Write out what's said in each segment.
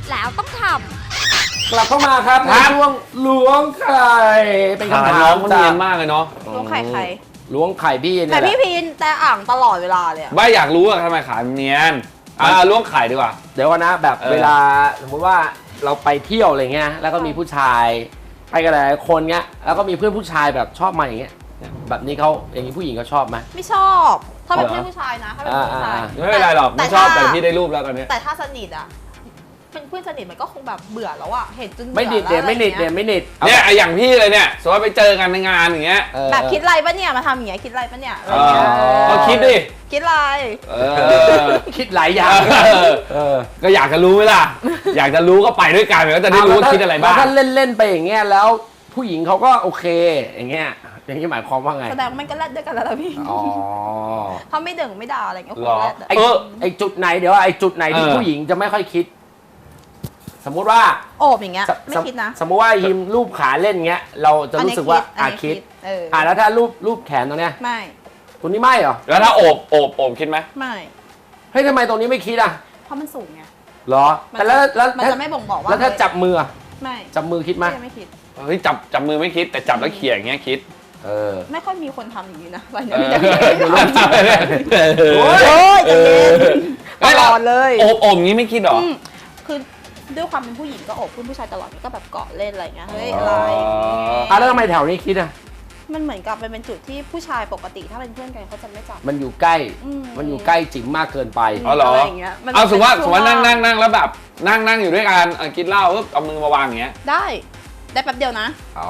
แล้วต้องทำกลับเข้ามาครับในช่วงล้วงไข่เป็นคำถามมันเนียนมากเลยเนาะล้วงไข่ใครล้วงไข่พี่แต่เนี่ยแหพี่ละพีนแต่อ่างตลอดเวลาเลยอะไม่อยากรู้อะทำไมขาเนียนล้วงไข่ดีกว่าเดี๋ยวก่อนนะแบบเออเวลาสมมติว่าเราไปเที่ยวอะไรเงี้ยแล้วก็มีผู้ชายไปกันหลายคนเงี้ยแล้วก็มีเพื่อนผู้ชายแบบชอบมาอย่างเงี้ยแบบนี้เขาอย่างนี้ผู้หญิงเขาชอบไหมไม่ชอบถ้าเป็นเพื่อนผู้ชายนะถ้าเป็นเพื่อนผู้ชายไม่เป็นไรหรอกไม่ชอบแต่พี่ได้รูปแล้วตอนนี้แต่ถ้าสนิทอะเป็นเพื่อนสนิทมันก็คงแบบเบื่อแล้วอะเห็นจนเบื่อไม่นิดเดียวแล้วไม่นิดอะรเดียวไม่นิดเนี่ยอย่างพี่เลยเนี่ยสมมติว่าไปเจอกันในงานอย่างเงี้ยแบบคิดอะไรปะเนี่ยมาทำอย่างเงี้ยคิดอะไรปะเนี่ยอะไรเอเงี้ยก็คิดดิคิดอะไรเออคิดหลายอย่างก็อยากจะรู้ไหมล่ะ อยากจะรู้ก็ไปด้วยกันก็จะได้รู้ว่าคิดอะไรบ้างแล้วถ้าเล่นๆไปอย่างเงี้ยแล้วผู้หญิงเขาก็โอเคอย่างเงี้ยอย่างนี้หมายความว่าไงแสดงว่ามันก็แลดด้วยกันแล้วล่ะพี่อ๋อถ้าไม่ดึงไม่ด่าอะไรเงี้ยคงหรอแลดอะไอจุดไหนเดี๋ยวไอจุดไหนที่เออผู้หญิงจะไม่ค่อยคิด สมมุติว่าโอบอย่างเงี้ยไม่คิดนะสมมุติว่ายิมรูปขาเล่นเงี้ย เราจะรู้สึกว่าอันนี้คิดเออแล้วถ้ารูปแขนตรงเนี้ยไม่ตรงนี้ไม่เหรอแล้วถ้าโอบคิดไหมไม่เฮ้ยทำไมตรงนี้ไม่คิดอ่ะเพราะมันสูงไงเหรอมันแต่แล้วมันจะไม่บ่งบอกว่าแล้วถ้าจับมืออะไม่จับมือคิดไหมไม่คิดเฮ้ยจับมือไม่คิดแต่จับแล้วเขี่ยอย่างเงี้ยคิดเออไม่ค่อยมีคนทำอย่างนี้นะอะไรเอเนี่ยอโอ้ยโอ้ยใจเย็นตลอดเลยโอบงี้ไม่คิดหรอคือด้วยความเป็นผู้หญิงก็โอบเพื่อนผู้ชายตลอดก็แบบเกาะเล่นอะไรเงี้ยเฮ้ยอะไรแล้วทำไมแถวนี้คิดอ่ะมันเหมือนกับมันเป็นจุดที่ผู้ชายปกติถ้าเป็นเพื่อนกันเขาจะไม่จับมันอยู่ใกล้อืมมันอยู่ใกล้จิ๋มมากเกินไปอ๋อเหรออะไรอย่างเงี้ยมันเอาสมมติว่าเป็นช่วงนั่งแล้วแบบนั่งอยู่ด้วยกันกินเหล้าปุ๊บเอามือมาวางอย่างเงี้ยได้แป๊บเดียวนะอ๋อน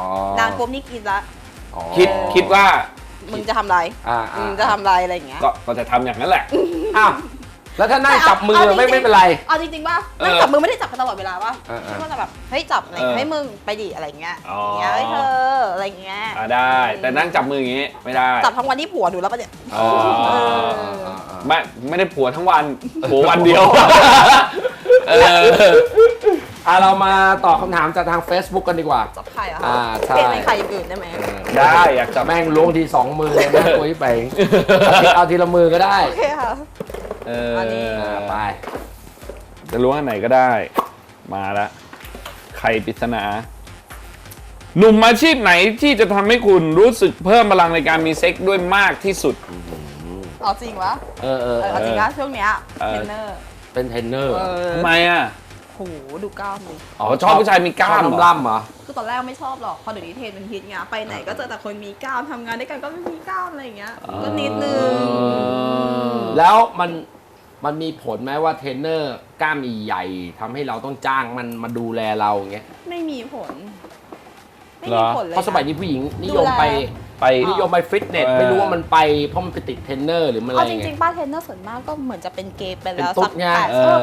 านปุ๊บนี่กินละอ๋อคิดว่ามึงจะทำอะไรมึงจะทำอะไรอะไรอย่างเงี้ยก็จะทำอย่างนั้นแหละอ้าวแล้วถ้านั่งจับมือเอาจริงๆไม่เป็นไรเอาจริงๆป่ะนั่งจับมือไม่ได้จับกันตลอดเวลาป่ะเออก็จะแบบเฮ้ยจับอะไรให้มึงไปดิอะไรเงี้ยอ๋ออย่างเงี้ยเฮ้ยเธออะไรเงี้ยได้ แต่นั่งจับมืออย่างงี้ไม่ได้จับทั้งวันที่ผัวดูแล้วปะเนี่ยอ๋อเออไม่ได้ผัวทั้งวันผัววันเดียวเออเรามาตอบคำถามจากทาง Facebook กันดีกว่าจับไข่อะใช่เปลี่ยนเป็นไข่อย่างอื่นได้ไหมได้อยากจับแม่งล้วงที2 มือเลยนะคุยไปเอาทีละมือก็ได้โอเคค่ะ อันนี้ไปจะล้วงอันไหนก็ได้ มาละไข่ปริศนา หนุ่มอาชีพไหนที่จะทำให้คุณรู้สึกเพิ่มพลังในการมีเซ็กซ์ด้วยมากที่สุดเอาจริงวะ เอาจริงนะช่วงเนี้ยเออเทรนเนอร์เป็นเทรนเนอร์ทำไมอ่ะโหดูกล้ามดิอ๋อชอบผู้ชายมีกล้ามชอบเหรอล่ำๆเหรอคือตอนแรกไม่ชอบหรอกพอเดี๋ยวนี้เทรนเป็นฮิตไงไปไหนก็เจอแต่คนมีกล้ามทำงานด้วยกันก็ไม่มีกล้ามอะไรอย่างเงี้ยก็นิดนึงแล้วมันมีผลไหมว่าเทรนเนอร์กล้ามใหญ่ๆทำให้เราต้องจ้างมันมาดูแลเราอย่างเงี้ยไม่มีผล ไม่เหรมีอผลเลยเพราะสมัยนี้ผู้หญิงนิยมไปไปนิยมไปฟิตเนส ไม่รู้ว่ามันไปเพราะมันไปติดเทรนเนอร์หรือมันอะไรเอาจไงริงๆป้าเทรนเนอร์ส่วนมากก็เหมือนจะเป็นเกย์ไปแล้วเป็นตุ๊สัดกไง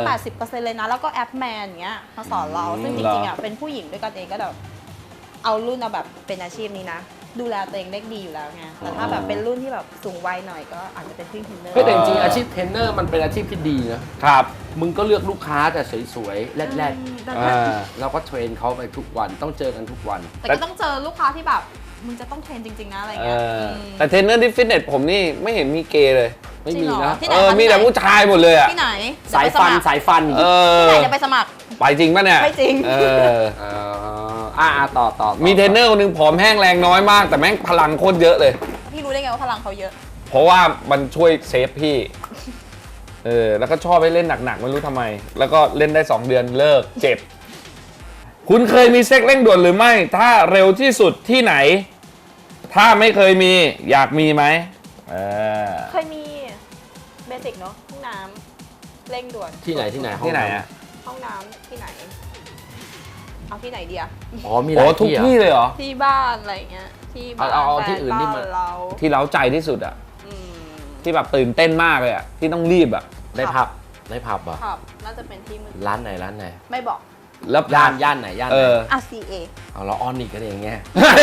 80%เลยนะ แล้วก็แอปแมนอย่างเงี้ยมาสอนเรา ซึ่งจริงๆอ่ะเป็นผู้หญิงด้วยกันเองก็แบบเอารุ่นเอาแบบเป็นอาชีพนี้นะ ดูแลตัวเองได้ดีอยู่แล้วไงแต่ถ้าแบบเป็นรุ่นที่แบบสูงวัยหน่อยก็อาจจะเป็นพี่เทรนเนอร์เฮ้ยแต่จริงๆอาชีพเทรนเนอร์มันเป็นอาชีพที่ดีนะครับ มึงก็เลือกลูกค้าแต่สวยๆแรดแต่ๆเราก็เทรนเขาไปทุกวันต้องเจอกันทุกวันแต่ก็ต้องเจอลูกค้าที่แบบมึงจะต้องเทรนจริงๆนะอะไรเงี้ยมแต่เทรนเนอร์ที่ฟิตเนสผมนี่ไม่เห็นมีเกย์เลยไม่จริมีงเหรอนะที่ไหนคะมีแต่ผู้ชายหมดเลยอ่ะที่ไหนสายฟันสายฟันเออที่ไหนจะไปสมัครไปจริงป่ะเนี่ยไม่จริงเออต่อมีเทรนเนอร์คนหนึงผอมแห้งแรงน้อยมาก แต่แม่งพลังโคตรเยอะเลยพี่รู้ได้ไงว่าพลังเขาเยอะเพราะว่ามันช่วยเซฟพี่ แล้วก็ชอบให้เล่นหนักๆไม่รู้ทำไม แล้วก็เล่นได้ 2 เดือนเลิกเจ็บ คุณเคยมีเซ็กเร่งด่วนหรือไม่ ถ้าเร็วที่สุดที่ไหน ถ้าไม่เคยมีอยากมีไหมเคยมีเบสิกเนาะห้องน้ำเร่งด่วนที่ไหนที่ไหนห้งำอ่ะห้องน้ำที่ไหน เอาที่ไหนเดียอ๋อมีหโอ้ลายทุกที่ที่อะเลยเหรอที่บ้านอะไรเงี้ยที่บ้านเอาแฟที่อื่นที่มันบ้าเราที่เล้าใจที่สุดอ่ะอืมที่แบบตื่นเต้นมากเลยอ่ะ ที่ต้องรีบอ่ะในผับในผับเหรอครับน่าจะเป็นที่มือร้านไหนไม่บอกแล้วย่านไหนย่านเอไหนอ CA เอาเราออนอีกกันเองเงี้ย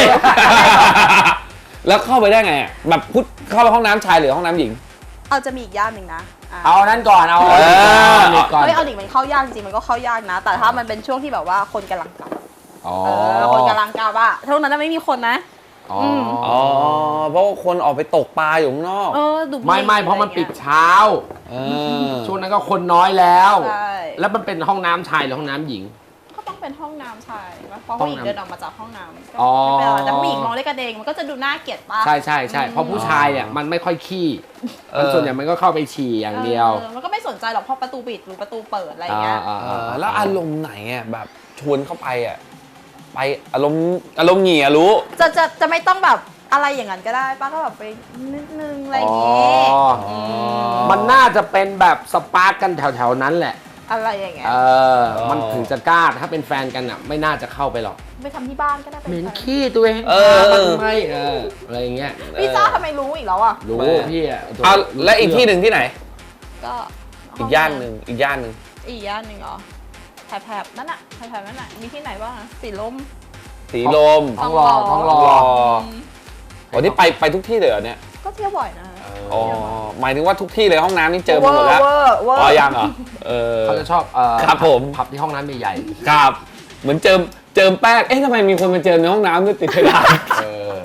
แล้วเข้าไปได้ไงอะแบบพุทเข้าไปห้องน้ำชายหรือห้องน้ำหญิงเอาจะมีอีกย่านหนึ่งนะะเอานั้นก่อนเอาเออนิกก่อนเฮ้ยเอาหนิมันเข้ายากจริงๆมันก็เข้ายากนะ แต่ถ้ามันเป็นช่วงที่แบบว่าคนกำลังกลับอ๋อคนกำลังกลับอะช่วงนั้นจะไม่มีคนนะอ๋ออ๋อเพราะว่าคนออกไปตกปลาอยู่ข้างนอกดูไม่เพราะมันปิดเช้าเออช่วงนั้นก็คนน้อยแล้วใช่แล้วมันเป็นห้องน้ำชายหรือห้องน้ำหญิงก็ต้องเป็นห้องน้ำชายปะเพราะห้ผู้องหญิงน้ำเดินออกมาจากห้องน้ำก็อ๋อไม่เป็นไรแต่ผู้หญิงมองด้วยกันเองมันก็จะดูน่าเกลียดปะใช่เพราะผู้ชายเนี่ยมันไม่ค่อยขี้มันส่วนใหญ่มันก็เข้าไปฉี่อย่างเดียวมันก็ไม่สนใจหรอกเพราะประตูปิดหรือประตูเปิดอะไรอย่างเงี้ยแล้วอารมณ์ไหนอ่ะแบบชวนเข้าไปอ่ะไปอารมณ์เหงี่ยรู้จะไม่ต้องแบบอะไรอย่างนั้นก็ได้ป้าก็แบบไปนิดนึงอะไรอย่างอ๋องี้มันน่าจะเป็นแบบสปาร์กกันแถวๆนั้นแหละอะไรอย่างเงี้ยมันถึงจะกล้าถ้าเป็นแฟนกันอ่ะไม่น่าจะเข้าไปหรอกไปทำที่บ้านก็ได้เป็นเหม็นแฟนขี้ตัวเองเออทำไมอะไรอย่างเงี้ยพี่จ้าทำไมรู้อีกแล้วอ่ะรู้พี่อ่ะเอาและอีกที่หนึ่งที่ไหนก็อีกย่านหนึ่งอีกย่านหนึ่งเหรอแถบนั่นน่ะแถบนั่นน่ะมีที่ไหนบ้างอะสีลมสีลมท้องรอท้องรอวันนี้ไปทุกที่เลยเหรอเนี่ยก็เที่ยวบ่อยนะอ๋อหมายถึงว่าทุกที่เลยห้องน้ำนี่เจอมาหมดแล้วเวอร์อ๋อยังเหรอเขาจะชอบครับผมผับที่ห้องน้ำใหญ่ครับ เหมือนเจิมแป้งเอ๊ะทำไมมีคนมาเจิมในห้องน้ำด้วยติดเพดานๆเออ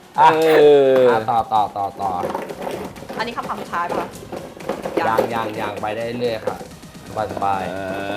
ต่ออันนี้คำถามสุดท้ายป่ะยังไปได้เรื่อยๆครับสบาย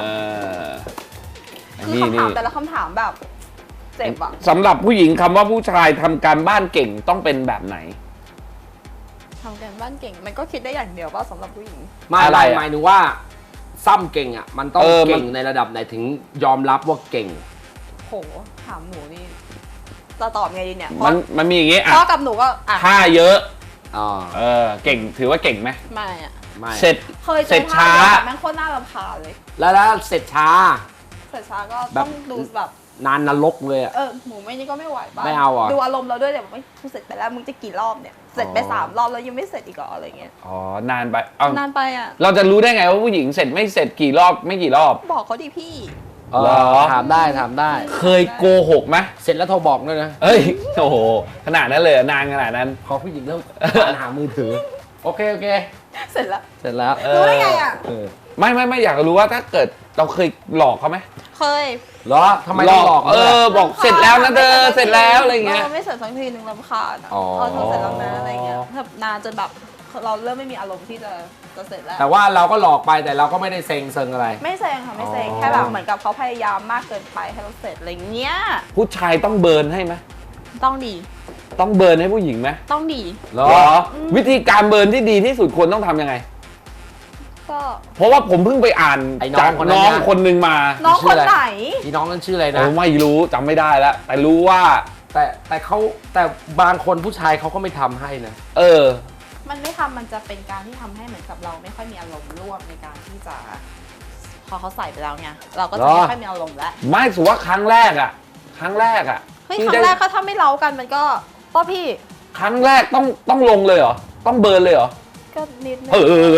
คือคำถามแต่ละคำถามแบบเจ็บอ่ะสำหรับผู้หญิงคำว่าผู้ชายทำการบ้านเก่งต้องเป็นแบบไหนทำกันบ้านเก่งมันก็คิดได้อย่างเดียวว่าสำหรับผู้หญิงๆไม่อะไรอะหมายถึงว่าซ้ำเก่งอ่ะมันต้องมันเก่งในระดับไหนถึงยอมรับว่าเก่งโหถามหนูนี่จะตอบไงดีเนี่ยมันมีอย่างงี้อ่ะพ่อกับหนูก็อ่ะท่าเยอะอ๋อเก่งถือว่าเก่งไหมไม่อ่ะไม่เสร็จเคยเจเสร็อจท่าช้าแบบแม่งโคตรน่ารำคาญเลยแล้วเสร็จช้าเสร็จช้าก็แบบต้องดูแบบนานนรกเลยอ่ะหมูไม่นี่ก็ไม่ไหวป่ะไม่เอาอ่ะดูอารมณ์เราด้วยเนี่ยไม่กูเสร็จไปแล้วมึงจะกี่รอบเนี่ยเสร็จไป3 รอบแล้วยังไม่เสร็จอีกเหรออะไรเงี้ยอ๋อนานไปเอานานไปอ่ะเราจะรู้ได้ไงว่าผู้หญิงเสร็จไม่เสร็จกี่รอบไม่กี่รอบบอกเขาดิพี่เหรอถามได้เคยโกหกไหมเสร็จแล้วโทรบอกด้วยนะเอ้ยโอ้โหขนาดนั้นเลยเหรอนานขนาดนั้นพอผู้หญิงเริ่มหามือถือ โอเคเสร็จแล้วเสร็จแล้วรู้ได้ไงอ่ะไม่อยากรู้ว่าถ้าเกิดเราเคยหลอกเขาไหมเคยเหรอทำไมต้องหลอกบอกเสร็จแล้วนะเธอเสร็จแล้วอะไรเงี้ยไม่เสร็จสักทีหนึ่งรำคาญอ่ะอ๋อเธอเสร็จแล้วนะอะไรเงี้ยแบบนานจนแบบเราเริ่มไม่มีอารมณ์ที่จะเสร็จแล้วแต่ว่าเราก็หลอกไปแต่เราก็ไม่ได้เซ็งอะไรไม่เซ็งค่ะไม่เซ็งอ๋อแค่แบบเหมือนกับเขาพยายามมากเกินไปให้เราเสร็จอะไรเงี้ยผู้ชายต้องเบิร์นให้ไหมต้องดีต้องเบิร์นให้ผู้หญิงไหมต้องดีเหรอเหรอวิธีการเบิร์นที่ดีที่สุดควรต้องทำยังไงก็เพราะว่าผมเพิ่งไปอ่านไอ้น้องจากคนนั้นน้องเนี่ยคนหนึ่งมาน้องคนไหนพี่น้องนั่นชื่ออะไรนะโอ้ไม่รู้จำไม่ได้แล้ว แต่รู้ว่าแต่บางคนผู้ชายเขาก็ไม่ทำให้นะเออมันไม่ทำมันจะเป็นการที่ทำให้เหมือนกับเราไม่ค่อยมีอารมณ์ร่วมในการที่จะพอเขาใส่ไปแล้วไงเราก็จะไม่ค่อยมีอารมณ์แล้วไม่ถือว่าครั้งแรกอ่ะเฮ้ยที่ครั้งแรกก็ถ้าไม่เล้ากันมันก็ป้อพี่ครั้งแรกต้องลงเลยเหรอ ต้องเบิร์นเลยเหรอก็นิดนึง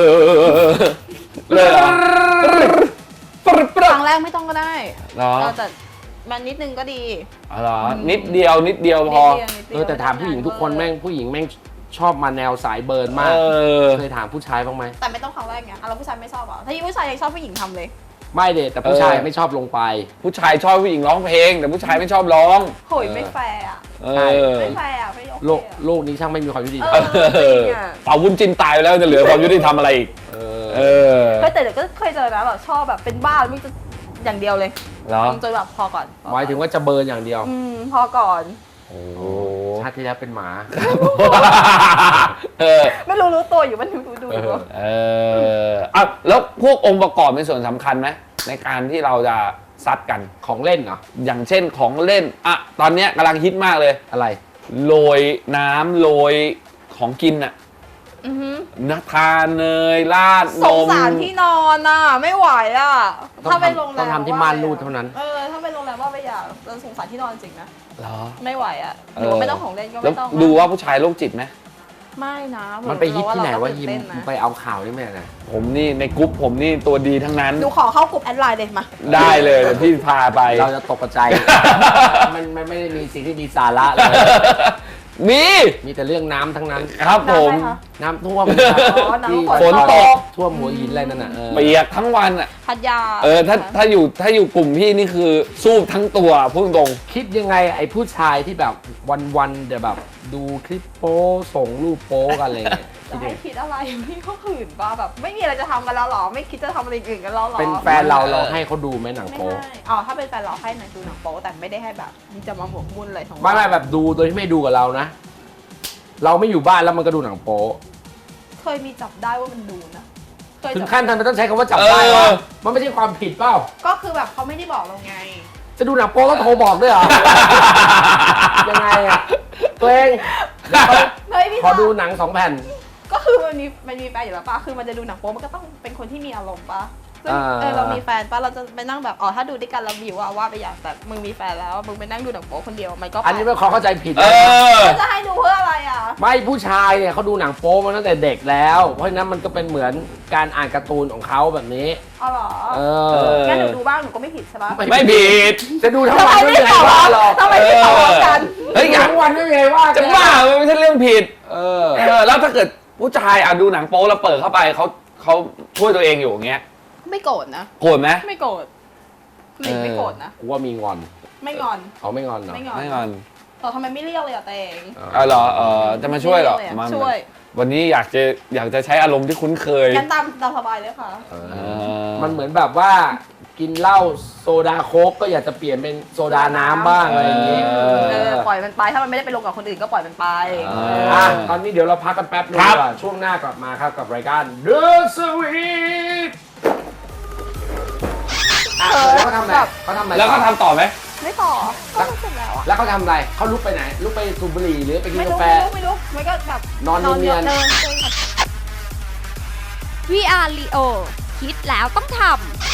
เลยเหรอครั้งแรกไม่ต้องก็ได้เหรอแต่มันนิดนึงก็ดีอ๋อเหรอนิดเดียวพอนิดเดียวแต่ถามผู้หญิงทุกคนผู้หญิงแม่งชอบมาแนวสายเบิร์นมาก เคยถามผู้ชายบ้างไหมแต่ไม่ต้องครั้งแรกไงเราผู้ชายไม่ชอบอ่ะถ้ายิ่งผู้ชายยังชอบผู้หญิงทำเลยไม่เด็แต่ผู้ชายไม่ชอบลงไปผู้ชายชอบผู้หญิงร้องเพลง แต่ผู้ชายไม่ชอบร้องโหยไม่แฟร์อ่ะเออไม่แฟร์อ่ะไม่โอเคโลกนี้ช่างไม่มีความยุติธรรมเป่าวุ้นจินตายไปแล้วจะเหลือความยุติธรรมอะไรอีก เออแต่เดี๋ยวก็เคยเจอนะแบบชอบแบบเป็นบ้าแล้วมึงจะอย่างเดียวเลยเหรอจนแบบพอก่อนหมายถึงว่าจะเบิร์นอย่างเดียวพอก่อนโอ้ชาติที่แล้วเป็นหมาเออไม่รู้ตัวอยู่มันดูเอออ่ะแล้วพวกองค์ประกอบเป็นส่วนสำคัญไหมในการที่เราจะซัดกันของเล่นเหรออย่างเช่นของเล่นอ่ะตอนเนี้ยกำลังฮิตมากเลยอะไรโรยน้ำโรยของกินอ่ะอือหือนะทานเนยราดสนงมสารที่นอนอ่ะไม่ไหวอ่ะต้องถ้าไปโรงแรมต้องทำที่ม่านรูดเท่านั้นถ้าไปโรงแรมว่าไปอยากเราสงสารที่นอนจริงนะเหรอไม่ไหวอ่ะหรือว่าไม่ต้องของเล่นก็แล้วไม่ต้องดูว่าผู้ชายโรคจิตไหมไม่นะมันไปฮิตที่ไหนว่าเราก็ยิมตื่นเต้นนะไปเอาข่าวนี่แม่นะผมนี่ในกรุ๊ปผมนี่ตัวดีทั้งนั้นดูขอเข้ากลุ่มแอดไลน์เลยมาได้เลยเดี๋ยวพี่พาไปเราจะตกใจ มันไม่ได้มีสิ่งที่มีสาระเลยมีแต่เรื่องน้ำทั้งนั้นครับผมน้ำท่วมอ๋อน้ำที่ฝนตกท่วมหัวหินอะไรนั่นน่ะเปียกทั้งวันอ่ะพัทยาถ้าอยู่กลุ่มพี่นี่คือสู้ทั้งตัวพูดตรงคิดยังไงไอ้ผู้ชายที่แบบวันๆเดี๋ยวแบบดูคลิปโป๊ส่งรูปโป๊กันอะไรเงี้ยจะให้คิดอะไรพี่ก็ขืนป่ะแบบไม่มีอะไรจะทำกันแล้วหรอไม่คิดจะทำอะไรอื่นกันแล้วหรอเป็นแฟนเราให้เขาดูไหมหนังไม่โป๊ให้อ๋อถ้าเป็นแฟนเราให้หนังดูหนังโป๊แต่ไม่ได้ให้แบบจะมาหมกมุ่นอะไรทั้งวันไม่แบบดูโดยที่ไม่ดูกับเรานะ เราไม่อยู่บ้านแล้วมันก็ดูหนังโป๊เคยมีจับได้ว่ามันดูนะเคยถึงจับขั้นทำไมต้องใช้คำว่าจับได้วะมันไม่ใช่ความผิดเปล่าก็คือแบบเขาไม่ได้บอกเราไงจะดูหนังโป๊ต้องโทรบอกด้วยเหรอ ยังไงอะตัวเองเฮ้ยพี่ขอดูหนัง2 แผ่นก็คือมันมีแฟนอยู่แล้วป่ะคือมันจะดูหนังโป๊มันก็ต้องเป็นคนที่มีอารมณ์ป่ะซึ่งอ่าเรามีแฟนป่ะเราจะไปนั่งแบบอ๋อถ้าดูด้วยกันเราวิวว่าไปอย่างแต่มึงมีแฟนแล้วมึงไปนั่งดูหนังโป๊คนเดียวมันก็อันนี้ไม่ขอเข้าใจผิดๆนะแล้วจะให้ดูเพื่ออะไรอ่ะไม่ผู้ชายเนี่ยเขาดูหนังโป๊มาตั้งแต่เด็กแล้ว เพราะฉะนั้นมันก็เป็นเหมือนการอ่านการ์ตูนของเขาแบบนี้อ๋อเหรอเอเออองั้นหนูดูบ้างหนูก็ไม่ผิดใช่ปะไม่ผิดจะดูทั้งวันไม่มีใครว่าหรอกทำไมไม่ตอบกันเฮ้ยทั้งวันไม่มีใครว่าจะบ้ามันไม่ใช่เรื่องผิดเออแล้วถ้าเกิดผู้ชายดูหนังโป๊แล้วเปิดเข้าไปเขาช่วยตัวเองอยู่อย่างเงี้ยไม่โกรธนะโกรธไหมไม่โกรธหลิงไม่โกรธนะกูว่ามีงอนไม่งอนเขาไม่งอนเหรอไม่งอนไม่งอนแต่ทำไมไม่เรียกเลยอ่ะเตงเหรอจะมาช่วยเหรอไม่เรียกเลยมาช่วยวันนี้อยากจะใช้อารมณ์ที่คุ้นเคยงั้นตามสบายเลยค่ะเออมันเหมือนแบบว่ากินเหล้าโซดาโค้กก็อยากจะเปลี่ยนเป็นโซดาน้ำบ้างอะไรอย่างงี้ปล่อยมันไปถ้ามันไม่ได้ไปลงกับคนอื่นก็ปล่อยมันไปตอนนี้เดี๋ยวเราพักกันแป๊บนึงครับก่อนช่วงหน้ากลับมาครับกับรายการ The Sweet แล้วเขาทำอะไรเขาทำอะไรแล้วก็ทำต่อไหมไม่ต่อก็รู้สึกแล้วอะแล้วเขาทำอะไรเขาลุกไปไหนลุกไปสูบบุหรี่หรือไปกินไม่การู้แฟไม่รู้มันก็แบบนอนเนียนๆเดิน VR Leo คิดแล้วต้องทำ